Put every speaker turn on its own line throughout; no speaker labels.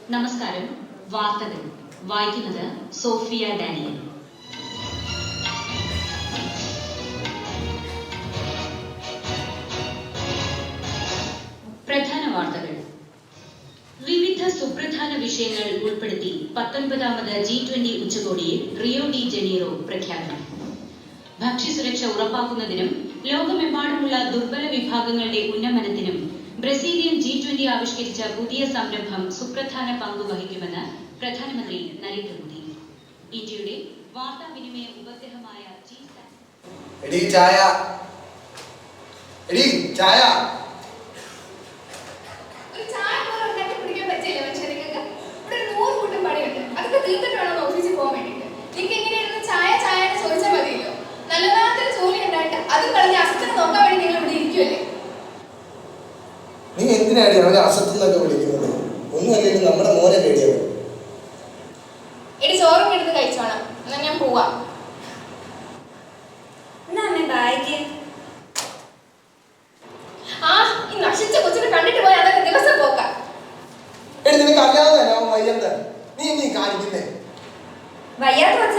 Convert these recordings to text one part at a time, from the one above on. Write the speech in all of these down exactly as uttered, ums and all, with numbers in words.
നമസ്കാരം. വാർത്തകൾ വായിക്കുന്നത് സോഫിയ ഡാനിയൽ. പ്രധാന വാർത്തകൾ. വിവിധ സുപ്രധാന വിഷയങ്ങൾ ഉൾപ്പെടുത്തി പത്തൊൻപതാമത് ജി ട്വന്റി ഉച്ചകോടിയിൽ റിയോ ഡി ജനീറോ പ്രഖ്യാപനം. ഭക്ഷ്യസുരക്ഷ ഉറപ്പാക്കുന്നതിനും ലോകമെമ്പാടുമുള്ള ദുർബല വിഭാഗങ്ങളുടെ ഉന്നമനത്തിനും ബ്രസീലിയൻ ജി ട്വന്റി ആവിഷ്കരിച്ച പുതിയ സംരംഭം സുപ്രധാന പങ്ക് വഹിക്കുമെന്ന് പ്രധാനമന്ത്രി നരേന്ദ്രമോദി. ഇന്ത്യയുടെ വാർത്താവിനിമയ ഉപഗ്രഹമായ
നീ എന്തിനാണ് അവനെ അസത്തുന്നൊക്കെ വിളിക്കുന്നത്? ഒന്നും അല്ലെങ്കിൽ നമ്മുടെ മോനെ പേടിയാവും.
എടി ചോറും എടുത്ത് കഴിച്ചോണം, എന്നാ ഞാൻ പോവാ. ആ ഈ നശിച്ച കൊച്ചിനെ കണ്ടിട്ട് പോയി അതൊക്കെ ദിവസം പോക്കാം.
എടി നിനക്ക് അറിയാവുന്ന വയ്യന്ത നീ നീ കാണിക്കുന്നേ
വയ്യാത്ത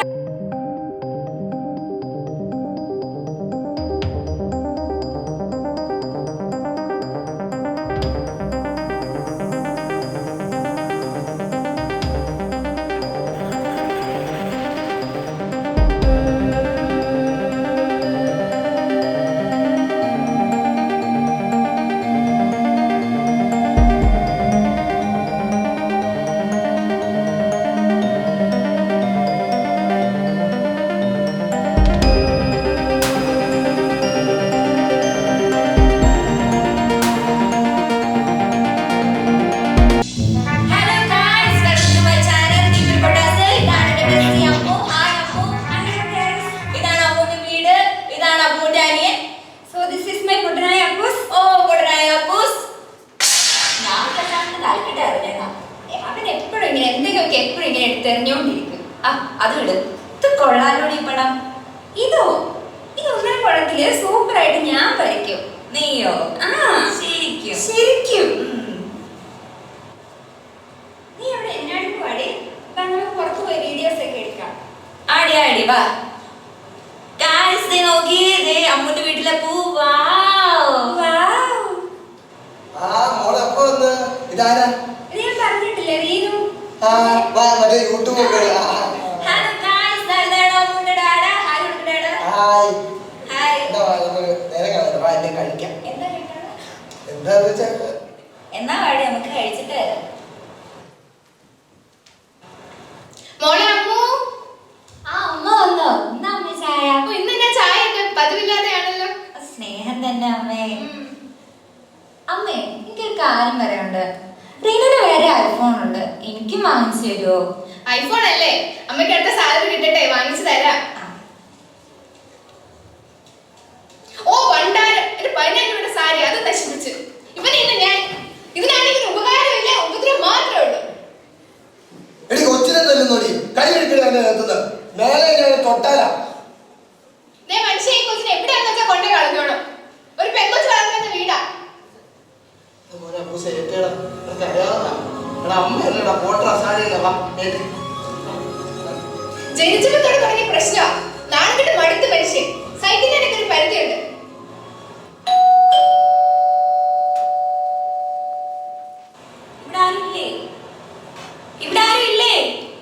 തെരഞ്ഞോണ്ടിരിക്കും. ആ അത് വിട്. ഇത് കൊള്ളാലോടി പടം. ഇതോ ഇതൊന്നര പടത്തില് സൂപ്പർ ആയിട്ട് ഞാൻ വരയ്ക്കും. നീയോ? ആ ശരിക്കും ശരിക്കും. നീ അവിടെ എന്നാടി പാടി? നമുക്ക് പുറത്തു പോയി വീഡിയോസ് ഒക്കെ എടുക്കാം. ആടി ആടി വാ. ഗായ്സ് ദേ നോക്കി, ദേ അമ്മുന്റെ വീട്ടിലെ പൂ. വാവ് വാവ്.
ആ മോളെ എപ്പോ വന്ന്? ഇതാരാ?
ഇത് ഞാൻ പറഞ്ഞിട്ടില്ലേ, റീനു.
ആ വാ മറ്റേ യൂട്യൂബ് ഒക്കെ.
ഹലോ ഗായ്സ്, ദാ അമ്മുന്റെ ഡാഡ. ഹായ് അമ്മുന്റെ ഡാഡ.
Hi
hi.
എന്താ വാ നമുക്ക് നേരെ കാണാം. വാ എന്നെ കഴിക്കാം.
എന്താ കഴിക്കണം?
എന്താന്ന് വെച്ചാ
എന്നാ വാടി നമുക്ക് കഴിച്ചിട്ട് വരാം. മോളെ അമ്മു. ആ അമ്മ വന്നോ? എന്നാ അമ്മ ചായ? ഇന്ന് ഞാൻ ചായ ഒക്കെ പതിവില്ലാതെയാണല്ലോ. സ്നേഹം തന്നെ അമ്മേ. അമ്മേ എനിക്കൊരു കാര്യം പറയാനുണ്ട്. റീനുവിന് വേറെ ഐഫോൺ ഉണ്ട്, എനിക്കും വാങ്ങിച്ചു തരുമോ? ഐഫോൺ അല്ലേ, അമ്മയ്ക്ക് അടുത്ത സാലറി കിട്ടട്ടെ, വാങ്ങിച്ചു തരാം. ഓ പണ്ടാരം എന്റെ പതിനായിരം രൂപയുടെ സാരി അത് നശിപ്പിച്ച്. ഇവനെ ഇന്ന് ഞാൻ ഇതിനാണെങ്കിൽ ഉപകാരമില്ല, ഉപദ്രവം മാത്രമേ ഉള്ളൂ.
എടി കൊച്ചിനെ തല്ലുന്നോടി, കൈ എടുക്കണ മേലെ തൊട്ടാലാ.
മനുഷ്യ ഈ കൊച്ചിനെ എവിടെയാന്ന് വെച്ചാൽ കൊണ്ടേ കളഞ്ഞോണം. ഒരു പെൺകൊച്ചു വളർന്നുന്ന വീടാ. ജനിച്ചപ്പോ തുടങ്ങിയ പ്രശ്നമാ. നാളെ കിട്ടും മടുത്ത മനുഷ്യൻ. സൈക്കിളിനൊക്കെ ഒരു പരിധിയുണ്ട്. ഇവിടെ ആരുമില്ലേ? ഇവിടെ ആരും ഇല്ലേ?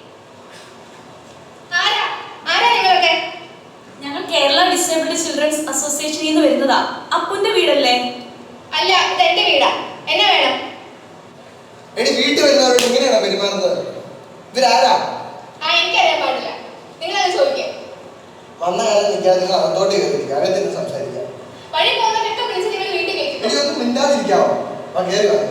ആരാ ആരാ നിങ്ങളൊക്കെ?
ഞങ്ങൾ കേരള ഡിസേബിൾഡ് ചിൽഡ്രൻസ് അസോസിയേഷനിൽ നിന്ന് വരുന്നതാ. അപ്പുന്റെ വീടല്ലേ?
അല്ല, ഇത് എന്റെ വീടാ. എന്നെ വേണം?
എടി വീട്ടിൽ വരുന്നവരോട് ഇങ്ങനെയാണോ പെരുമാറുന്നത്? ഇവരാരാ?
ആ എനിക്കറിയാൻ പാടില്ല, നിങ്ങളത് ചോദിക്കാം.
വന്ന കാലം നിൽക്കാതെ നിങ്ങൾ അകത്തോട്ട് കയറിയിരിക്കുക, അകത്തിന് സംസാരിക്കാം.
വഴി പോകുന്നവരൊക്കെ വിളിച്ച് നിങ്ങൾ വീട്ടിൽ കേൾക്കും.
എടി ഒന്നും മിണ്ടാതിരിക്കാവോ? ആ കയറി വാ.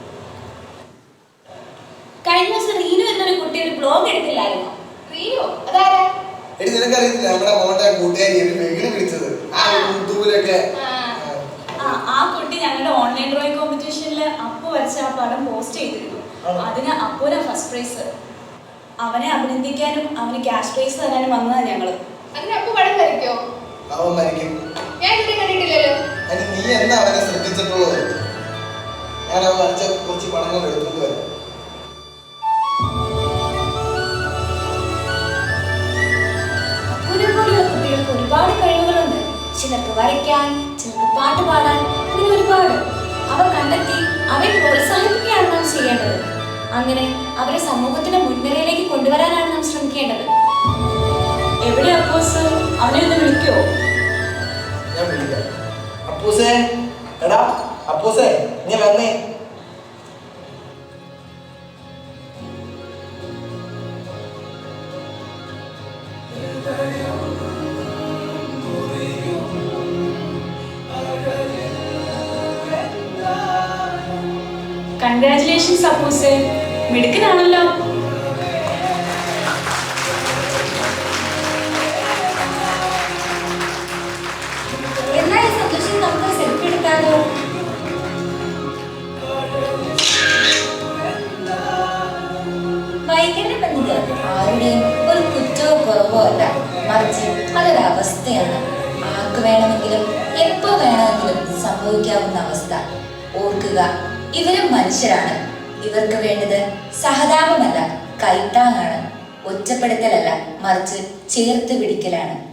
കഴിഞ്ഞ ദിവസം റീനു എന്നൊരു കുട്ടി ഒരു ബ്ലോഗ് എടുത്തില്ലായിരുന്നോ?
റീനു? അതാരാ?
എടി നിനക്കറിയത്തില്ല നമ്മുടെ മോന്റെ കൂട്ടുകാരി വെകിന് വിളിച്ചത് ആ യൂട്യൂബിലൊക്കെ.
ആ ആ കുട്ടി ഞങ്ങളുടെ ഓൺലൈൻ ഡ്രോയിങ് കോമ്പറ്റീഷനിൽ അപ്പു വരച്ച ആ പടം പോസ്റ്റ് ചെയ്തിരുന്നു. അതിന് അപ്പുവിനാ ഫസ്റ്റ് പ്രൈസ്. അവനെ അഭിനന്ദിക്കാനും അവന് ക്യാഷ് പ്രൈസ് തരാനും വന്നതാണ് ഞങ്ങള്.
അതിന് അപ്പു പടം വരയ്ക്കോ?
അവൻ വരയ്ക്കും.
ഞാൻ ഇതിനെ കണ്ടിട്ടില്ലല്ലോ.
നീ എന്നാ അവനെ ശ്രദ്ധിച്ചിട്ടുള്ളത്? ഞാൻ അവൻ വരച്ച കുറച്ച് പടങ്ങൾ എടുത്തുകൊണ്ട് വരാം.
പാട്ട് പാടാൻ, അങ്ങനെ ഒരുപാട്. അവ കണ്ടെത്തി അവരെ പ്രോത്സാഹിപ്പിക്കുകയാണ് നാം ചെയ്യേണ്ടത്. അങ്ങനെ അവരെ സമൂഹത്തിന്റെ മുൻനിരയിലേക്ക് കൊണ്ടുവരാനാണ് നാം ശ്രമിക്കേണ്ടത്.
എവിടെ അപ്പോസ്? അവനെ ഒന്ന് വിളിക്കോ?
ഞാൻ വിളിക്കാം. അപ്പൂസേ, എടാ അപ്പൂസേ, നീ വന്നേ.
കൺഗ്രാറ്റുലേഷൻസ് അപ്പൂസേ, മിടുക്കനാണല്ലോ.
എന്നാ ഈ സന്തോഷം നമുക്ക് സെൽഫി എടുക്കാലോ? വൈകല്യം എന്നത് ആരുടെയും ഒരു കുറ്റമോ കുറവോ അല്ല, മറിച്ച് അതൊരവസ്ഥയാണ്. ആർക്ക് വേണമെങ്കിലും എപ്പോ വേണമെങ്കിലും സംഭവിക്കാവുന്ന അവസ്ഥ. ഓർക്കുക, ഇവരും മനുഷ്യരാണ്. ഇവർക്ക് വേണ്ടത് സഹതാപമല്ല, കൈത്താങ്ങാണ്. ഒറ്റപ്പെടുത്തലല്ല, മറിച്ച് ചേർത്ത് പിടിക്കലാണ്.